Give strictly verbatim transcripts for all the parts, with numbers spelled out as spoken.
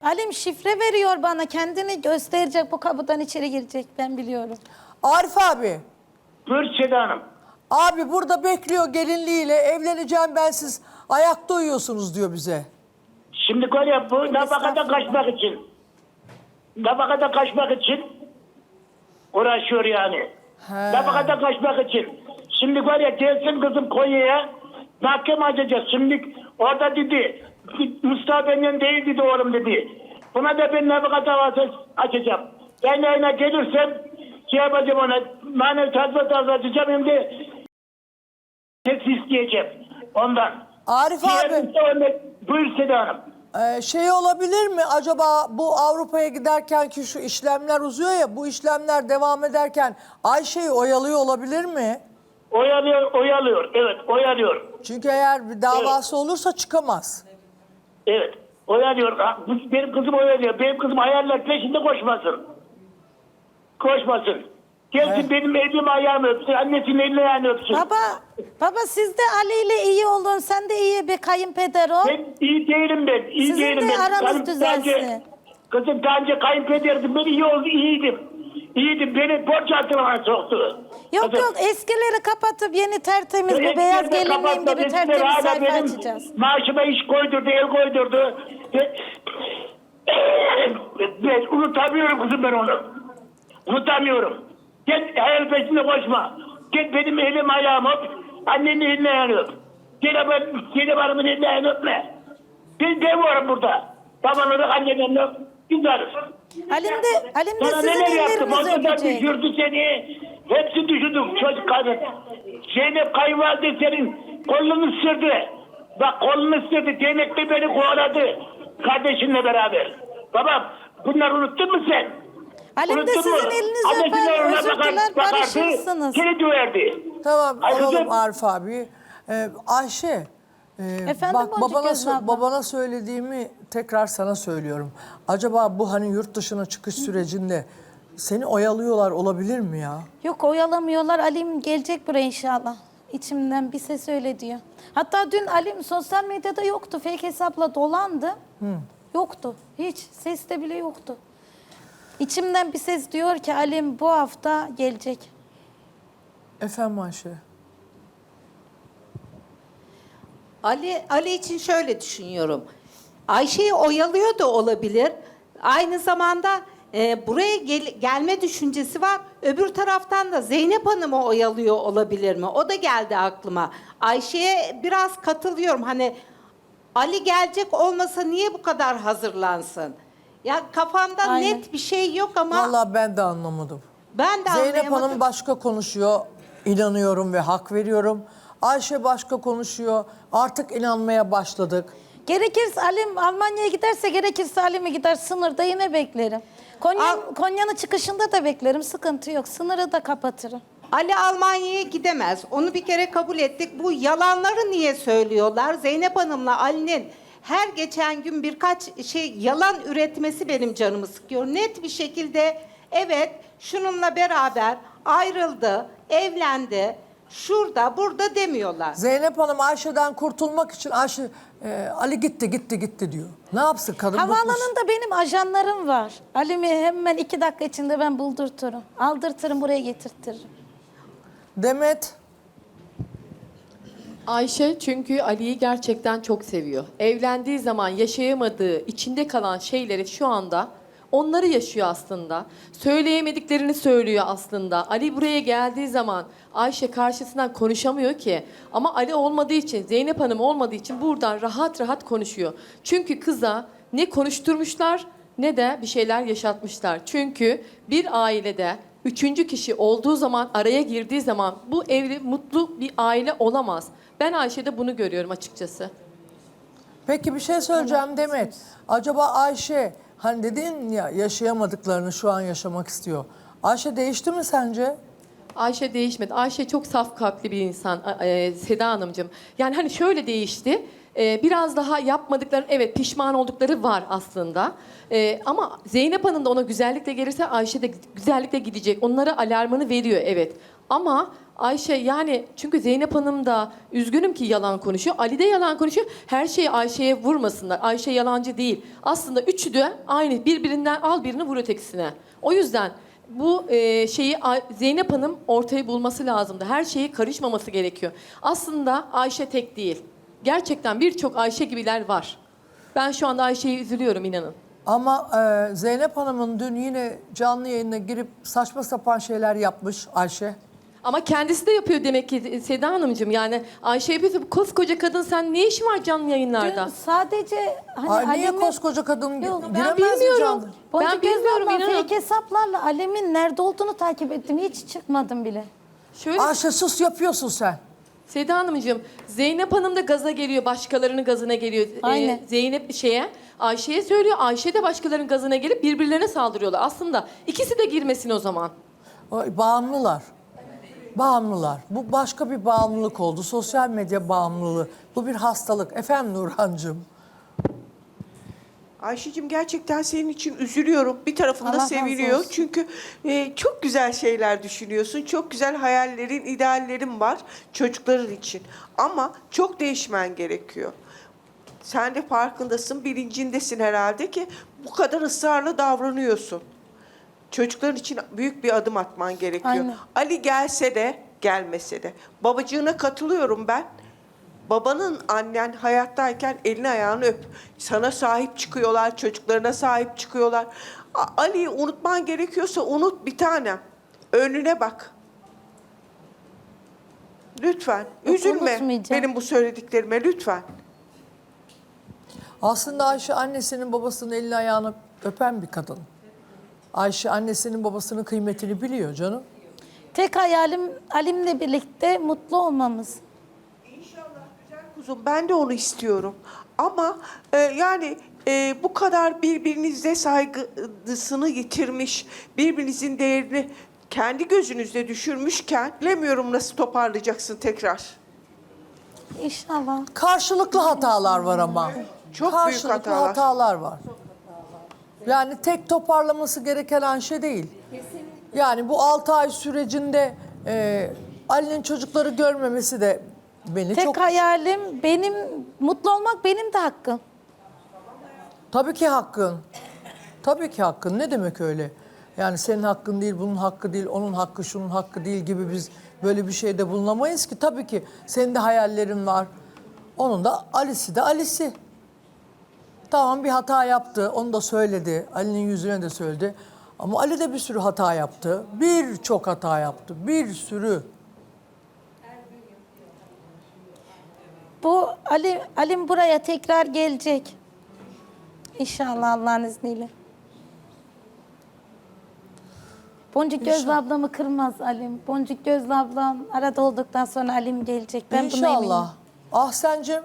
Halim şifre veriyor bana. Kendini gösterecek, bu kapıdan içeri girecek. Ben biliyorum. Arif abi. Buyur Seda Hanım. Abi burada bekliyor gelinliğiyle. Evleneceğim ben, siz ayakta uyuyorsunuz diyor bize. Şimdi var ya bu nafakadan kaçmak için. Nafakadan kaçmak için uğraşıyor yani. He. Nafakadan kaçmak için. Şimdi var ya gelsin kızım Konya'ya mahkeme açacağız. Şimdi orada dedi Mustafa benden değil dedi oğlum dedi. Buna da ben nafaka davası açacağım. Ben yayına gelirsem şey yapacağım ona manevi tazminat davası açacağım hem de hepsi isteyeceğim ondan. Arif abi. Diğer, buyur Seda Hanım. Ee, şey olabilir mi acaba, bu Avrupa'ya giderken ki şu işlemler uzuyor ya, bu işlemler devam ederken Ayşe'yi oyalıyor olabilir mi? Oyalıyor, oyalıyor. Evet, oyalıyor. Çünkü eğer bir davası olursa çıkamaz. Evet, oyalıyor. Ha, bu- Benim kızım oyalıyor. Benim kızım hayaller peşinde koşmasın. Koşmasın. Gelsin Evet. benim elimi ayağımı öpsün. Annesinin elini ayağını öpsün. Baba, baba siz de Ali ile iyi olun. Sen de iyi bir kayınpeder ol. Ben iyi değilim ben. İyi Sizin değilim de ben. aranız Kızım düzelsin. Bence, kızım daha önce kayınpederdim. Ben iyi oldu, iyiydim. İyiydim. Beni borç altına soktu. Yok Kızım, yok, eskileri kapatıp yeni tertemiz bir eskileri beyaz de gelinliğim kapattı, gibi eskileri tertemiz hala sayfa benim açacağız. Maaşıma iş koydurdu, el koydurdu. Ben, ben unutamıyorum kızım ben onu. Unutamıyorum. Gel hayal peşinde koşma. Gel benim elim ayağım öp. Annenin elini ayağını öp. Gel ben, gel hanımın elini ayağını öpme. Ben de varım burada. Baban olarak annenin öp. Biz varız. Halim de, Halim de Sana sizin neler yaptım? ellerinizi Ortadan öpecek. düşürdü seni. Hepsi düşürdüm çocuk kadın. Zeynep kayınvalide senin kolunu ısırdı. Bak kolunu ısırdı. Değnekle beni kovaladı. Kardeşinle beraber. Babam bunları unuttun mu sen? Halim de Unuttun mu? sizin elinizi Annesinden öper, ona özür bakar- diler, bakardı, barışırsınız. Seni döverdi. Tamam, Ay alalım kızım. Arif abi. Ee, Ayşe, e, Efendim bak Boncuk babana, Gözlü sö- abla. babana söylediğimi tekrar sana söylüyorum. Acaba bu hani yurt dışına çıkış sürecinde seni oyalıyorlar olabilir mi ya? Yok oyalamıyorlar. Alim gelecek buraya inşallah. İçimden bir ses öyle diyor. Hatta dün Alim sosyal medyada yoktu. Fake hesapla dolandı. Yoktu. Hiç. Seste bile yoktu. İçimden bir ses diyor ki Alim bu hafta gelecek. Efendim Ayşe? Ali Ali için şöyle düşünüyorum. Ayşe'yi oyalıyor da olabilir. Aynı zamanda e, buraya gel- gelme düşüncesi var. Öbür taraftan da Zeynep Hanım'ı oyalıyor olabilir mi? O da geldi aklıma. Ayşe'ye biraz katılıyorum. Hani Ali gelecek olmasa niye bu kadar hazırlansın? Ya kafamda Aynen. net bir şey yok ama Vallahi ben de anlamadım. ben de Zeynep anlayamadım. Hanım başka konuşuyor, inanıyorum ve hak veriyorum. Ayşe başka konuşuyor, artık inanmaya başladık. Gerekirse Alim Almanya'ya giderse gerekirse Alim'e gider, sınırda yine beklerim. Konya, Al- Konya'nın çıkışında da beklerim, sıkıntı yok. Sınırı da kapatırım. Ali Almanya'ya gidemez. Onu bir kere kabul ettik. Bu yalanları niye söylüyorlar? Zeynep Hanım'la Ali'nin her geçen gün birkaç şey yalan üretmesi benim canımı sıkıyor. Net bir şekilde evet şununla beraber ayrıldı, evlendi, şurada burada demiyorlar. Zeynep Hanım Ayşe'den kurtulmak için Ayşe, e, Ali gitti gitti gitti diyor. Ne yapsın kadın? bıkmış. Havaalanında benim ajanlarım var. Alim'i hemen iki dakika içinde ben buldurturum. Aldırtırım, buraya getirtirim. Demet, Ayşe çünkü Ali'yi gerçekten çok seviyor. Evlendiği zaman yaşayamadığı, içinde kalan şeyleri şu anda onları yaşıyor aslında. Söyleyemediklerini söylüyor aslında. Ali buraya geldiği zaman Ayşe karşısından konuşamıyor ki. Ama Ali olmadığı için, Zeynep Hanım olmadığı için buradan rahat rahat konuşuyor. Çünkü kıza ne konuşturmuşlar ne de bir şeyler yaşatmışlar. Çünkü bir ailede üçüncü kişi olduğu zaman, araya girdiği zaman bu evli, mutlu bir aile olamaz. Ben Ayşe'de bunu görüyorum açıkçası. peki bir şey söyleyeceğim Demet. Acaba Ayşe, hani dedin ya yaşayamadıklarını şu an yaşamak istiyor. Ayşe değişti mi sence? Ayşe değişmedi. Ayşe çok saf kalpli bir insan e, Seda Hanımcığım. Yani hani şöyle değişti. E, biraz daha yapmadıkları, evet pişman oldukları var aslında. E, ama Zeynep Hanım da ona güzellikle gelirse Ayşe de güzellikle gidecek. Onlara alarmını veriyor evet. Ama Ayşe yani çünkü Zeynep Hanım da üzgünüm ki yalan konuşuyor. Ali de yalan konuşuyor. Her şeyi Ayşe'ye vurmasınlar. Ayşe yalancı değil. Aslında üçü de aynı. Birbirinden al birini vur ötekisine. O yüzden bu e, şeyi Ay- Zeynep Hanım ortaya bulması lazımdı. Her şeye karışmaması gerekiyor. Aslında Ayşe tek değil. Gerçekten birçok Ayşe gibiler var. Ben şu anda Ayşe'ye üzülüyorum inanın. Ama e, Zeynep Hanım'ın dün yine canlı yayına girip saçma sapan şeyler yapmış Ayşe. Ama kendisi de yapıyor demek ki Seda Hanımcığım. Yani Ayşe yapıyorsa bu koskoca kadın sen ne işin var canlı yayınlarda? Dün sadece hani Ay, niye Alem'in- koskoca kadın Yok, ben giremez mi bilmiyorum. canlı? Boncuk Ben Göz bilmiyorum, abla inanın. fake hesaplarla Alem'in nerede olduğunu takip ettim. Hiç çıkmadım bile. Şöyle Ayşe sus yapıyorsun sen. Seda Hanımcığım, Zeynep Hanım da gaza geliyor, başkalarının gazına geliyor. Ee, Aynen. Zeynep şeye, Ayşe'ye söylüyor, Ayşe de başkalarının gazına gelip birbirlerine saldırıyorlar. Aslında ikisi de girmesin o zaman. Ay, bağımlılar. Bağımlılar. Bu başka bir bağımlılık oldu. Sosyal medya bağımlılığı. Bu bir hastalık. Efendim Nurhancığım. Ayşe'cim gerçekten senin için üzülüyorum. Bir tarafında Allah razı seviniyor. olsun. Çünkü e, çok güzel şeyler düşünüyorsun. Çok güzel hayallerin, ideallerin var çocukların için. Ama çok değişmen gerekiyor. Sen de farkındasın, bilincindesin herhalde ki bu kadar ısrarla davranıyorsun. Çocukların için büyük bir adım atman gerekiyor. Aynen. Ali gelse de gelmese de. Babacığına katılıyorum ben. Babanın, annen hayattayken elini ayağını öp. Sana sahip çıkıyorlar, çocuklarına sahip çıkıyorlar. A- Ali'yi unutman gerekiyorsa unut bir tanem. Önüne bak. Lütfen. Yok, Üzülme unutmayacağım. benim bu söylediklerime lütfen. Aslında Ayşe annesinin babasının elini ayağını öpen bir kadın. Ayşe annesinin babasının kıymetini biliyor canım. Tek hayalim Alim'le birlikte mutlu olmamız. Kuzum ben de onu istiyorum. Ama e, yani e, bu kadar birbirinize saygısını yitirmiş, birbirinizin değerini kendi gözünüzde düşürmüşken bilemiyorum nasıl toparlayacaksın tekrar. İnşallah. Karşılıklı hatalar var ama. Çok büyük Karşılıklı hatalar. hatalar var. Yani tek toparlaması gereken Ayşe değil. Yani bu altı ay sürecinde e, Ali'nin çocukları görmemesi de beni Tek çok... hayalim benim mutlu olmak benim de hakkım. Tabii ki hakkın. Tabii ki hakkın. Ne demek öyle? Yani senin hakkın değil, bunun hakkı değil, onun hakkı, şunun hakkı değil gibi biz böyle bir şeyde bulunamayız ki. Tabii ki senin de hayallerin var. Onun da Ali'si de Ali'si. Tamam bir hata yaptı, onu da söyledi. Ali'nin yüzüne de söyledi. Ama Ali de bir sürü hata yaptı. Birçok hata yaptı, bir sürü. Bu Ali Alim buraya tekrar gelecek. İnşallah Allah'ın izniyle. Boncuk Gözlü ablamı kırmaz Alim. Boncuk Gözlü ablam arada olduktan sonra Alim gelecek. Ben buna eminim. İnşallah. Ahsen'cim.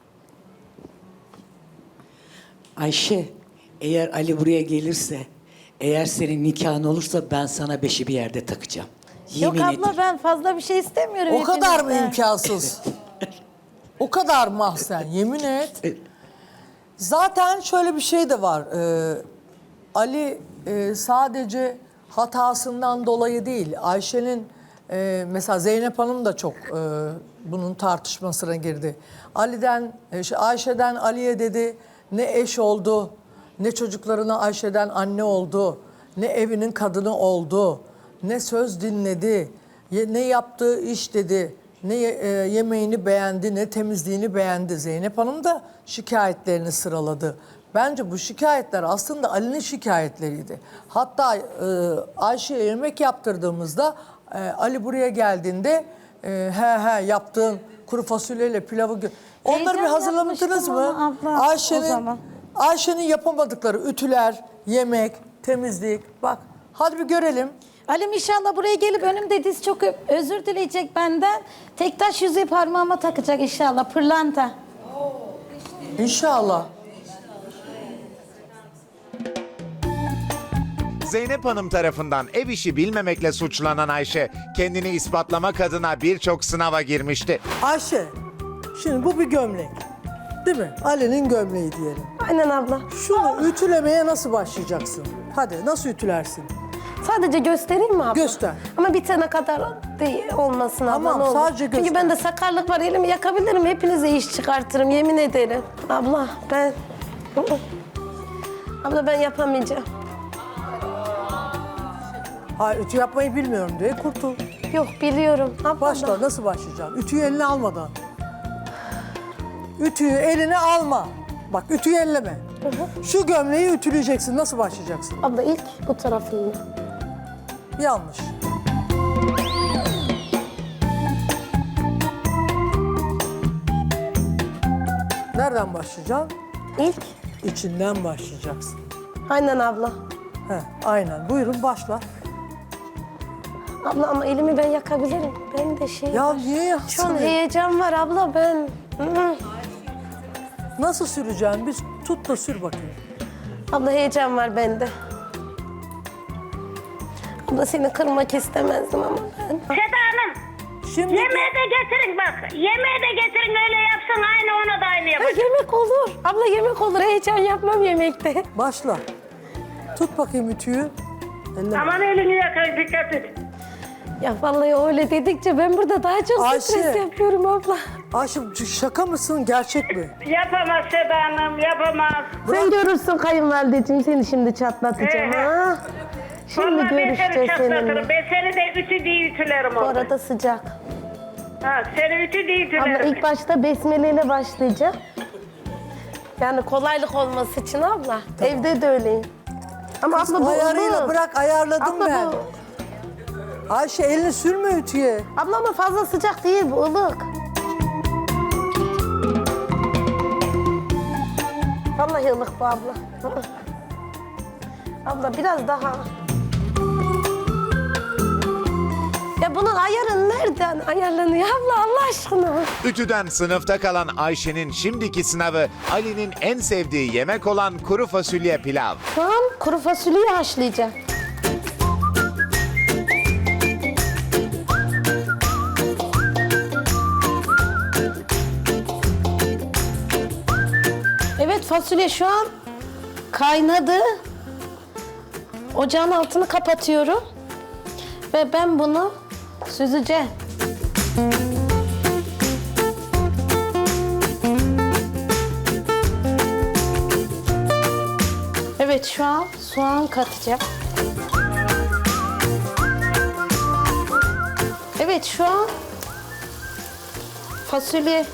Ayşe, eğer Ali buraya gelirse, eğer senin nikahın olursa ben sana beşi bir yerde takacağım. Yok Yemin abla ederim. ben fazla bir şey istemiyorum. O kadar mı hepinizden. imkansız? O kadar mı Ahsen? Yemin et. Zaten şöyle bir şey de var. Ee, Ali e, sadece hatasından dolayı değil. Ayşe'nin e, mesela Zeynep Hanım da çok e, bunun tartışmasına girdi. Ali'den, e, şey, Ayşe'den Ali'ye dedi ne eş oldu, ne çocuklarına Ayşe'den anne oldu, ne evinin kadını oldu, ne söz dinledi, ye- ne yaptığı iş dedi. Ne e, yemeğini beğendi, ne temizliğini beğendi. Zeynep Hanım da şikayetlerini sıraladı. Bence bu şikayetler aslında Ali'nin şikayetleriydi. Hatta e, Ayşe'ye yemek yaptırdığımızda e, Ali buraya geldiğinde e, he he yaptığın kuru fasulyeyle pilavı... gö- Onları bir Heyecan hazırlamadınız yapmıştım mı? ama abla, o Ayşe'nin zaman. Ayşe'nin yapamadıkları ütüler, yemek, temizlik. Bak hadi bir görelim. Alim inşallah buraya gelip önümde diz çöküp özür dileyecek benden. Tek taş yüzüğü parmağıma takacak inşallah. Pırlanta. İnşallah. Zeynep Hanım tarafından ev işi bilmemekle suçlanan Ayşe, kendini ispatlamak adına birçok sınava girmişti. Ayşe, şimdi bu bir gömlek. Değil mi? Ali'nin gömleği diyelim. Aynen abla. Şunu ütülemeye nasıl başlayacaksın? Hadi nasıl ütülersin? Sadece göstereyim mi abla? Göster. Ama bitene kadar de olmasın abla, Tamam, ne olur. sadece Çünkü göster. bende sakarlık var, elimi yakabilirim, hepinize iş çıkartırım, yemin ederim. Abla ben... Abla ben yapamayacağım. Hayır, ütü yapmayı bilmiyorum diye kurtul. Yok biliyorum. Abla Başla, nasıl başlayacaksın? Ütüyü eline almadan. Ütüyü eline alma. Bak, ütüyü elleme. Şu gömleği ütüleyeceksin, nasıl başlayacaksın? Abla ilk bu tarafını. Yanlış. Nereden başlayacaksın? İlk. İçinden başlayacaksın. Aynen abla. He, aynen. Buyurun başla. Abla ama elimi ben yakabilirim. Ben de şey... Ya niye Şu yaksın? an heyecan var abla ben. Hı. Nasıl süreceksin? Biz tut da sür bakayım. Abla heyecan var bende. Abla seni kırmak istemezdim ama ben. Seda Hanım, Şimdi yemeği de getirin bak. Yemeği de getirin, öyle yapsın, aynı ona da aynı Ha, yapacak. yemek olur. Abla yemek olur. Heyecan yapmam yemekte. başla. Tut bakayım ütüyü. Elleme. Aman elini yakar, dikkat et. Ya vallahi öyle dedikçe ben burada daha çok Ayşe. stres yapıyorum abla. Ayşe, şaka mısın, gerçek mi? Yapamaz Seda Hanım, yapamaz. Sen görürsün kayınvalideciğim, seni şimdi çatlatacağım Ee, ha. Şimdi Vallahi ben seni görüşeceğiz çatlatırım. seninle. Ben seni de ütü diye ütülerim Bu orada. arada sıcak. Ha, seni ütü diye Abla ütülerim. ilk başta besmele ile başlayacağım. Yani kolaylık olması için abla. Evde de öyleyim. Ama abla bu Ayarıyla ılık. bırak, ayarladım Abla ben. bu... Ayşe, elini sürme ütüye. Abla ama fazla sıcak değil, bu ılık. Vallahi ılık bu abla. Hı hı. Abla biraz daha. Ya bunun ayarı nereden ayarlanıyor abla Allah aşkına? Ütüden sınıfta kalan Ayşe'nin şimdiki sınavı Ali'nin en sevdiği yemek olan kuru fasulye pilav. Şu an kuru fasulyeyi haşlayacağım. Evet, fasulye şu an kaynadı. Ocağın altını kapatıyorum. Ve ben bunu süzeceğim. Evet, şu an soğan katacağım. Evet, şu an fasulye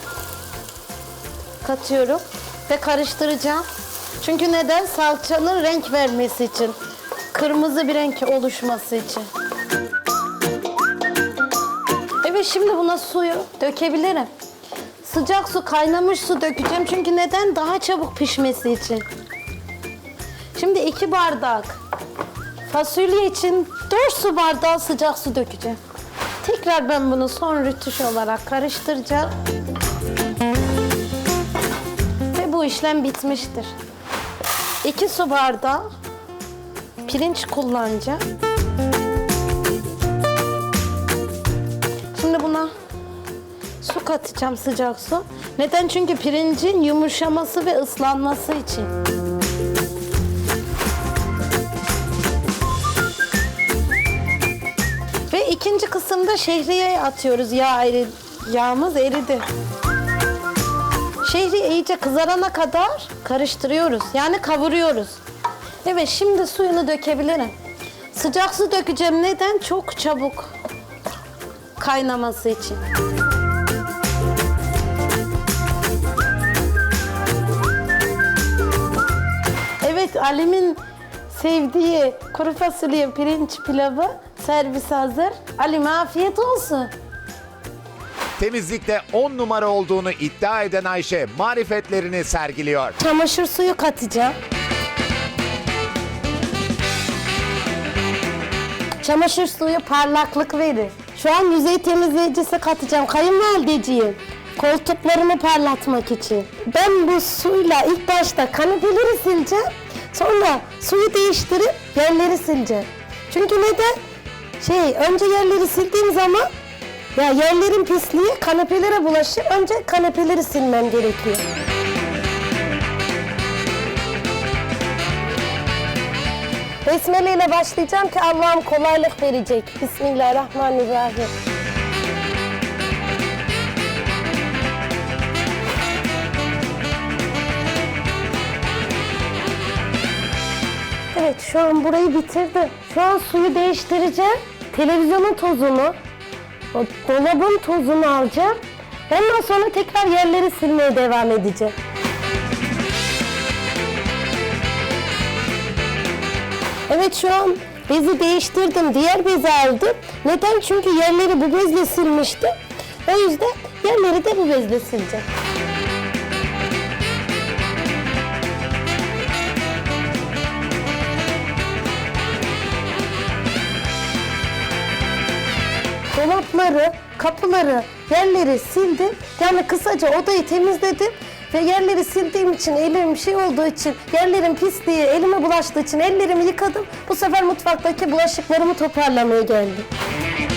katıyorum ve karıştıracağım. Çünkü neden? Salçanın renk vermesi için. Kırmızı bir renk oluşması için. Evet, şimdi buna suyu dökebilirim. Sıcak su, kaynamış su dökeceğim. Çünkü neden? Daha çabuk pişmesi için. Şimdi iki bardak fasulye için dört su bardağı sıcak su dökeceğim. Tekrar ben bunu son rütüş olarak karıştıracağım. Ve bu işlem bitmiştir. iki su bardağı pirinç kullanacağım. Şimdi buna su katacağım, sıcak su. Neden? Çünkü pirincin yumuşaması ve ıslanması için. Ve ikinci kısımda şehriye atıyoruz. Yağ eri, yağımız eridi. Şehriye iyice kızarana kadar karıştırıyoruz. Yani kavuruyoruz. Evet, şimdi suyunu dökebilirim. Sıcak su dökeceğim. Neden? Çok çabuk kaynaması için. Evet, Alim'in sevdiği kuru fasulye pirinç pilavı servis hazır. Alim afiyet olsun. Temizlikte on numara olduğunu iddia eden Ayşe marifetlerini sergiliyor. Çamaşır suyu katacağım. Çamaşır suyu parlaklık verir. Şu an yüzey temizleyicisi katacağım. Kayınvalideciğim, koltuklarımı parlatmak için. Ben bu suyla ilk başta kanepeleri sileceğim. Sonra suyu değiştirip yerleri sileceğim. Çünkü neden? Şey, önce yerleri sildiğim zaman ya yerlerin pisliği kanepelere bulaşır. Önce kanepeleri silmem gerekiyor. Besmele ile başlayacağım ki Allah'ım kolaylık verecek. Bismillahirrahmanirrahim. Evet, şu an burayı bitirdim. Şu an suyu değiştireceğim. Televizyonun tozunu, o dolabın tozunu alacağım. Ondan sonra tekrar yerleri silmeye devam edeceğim. Evet, şu an bezi değiştirdim. Diğer bezi aldım. Neden? Çünkü yerleri bu bezle silmiştim. O yüzden yerleri de bu bezle sileceğim. Dolapları, kapıları, yerleri sildim. Yani kısaca odayı temizledim. Ve yerleri sildiğim için, elim şey olduğu için, yerlerin pisliği elime bulaştığı için ellerimi yıkadım. Bu sefer mutfaktaki bulaşıklarımı toparlamaya geldim.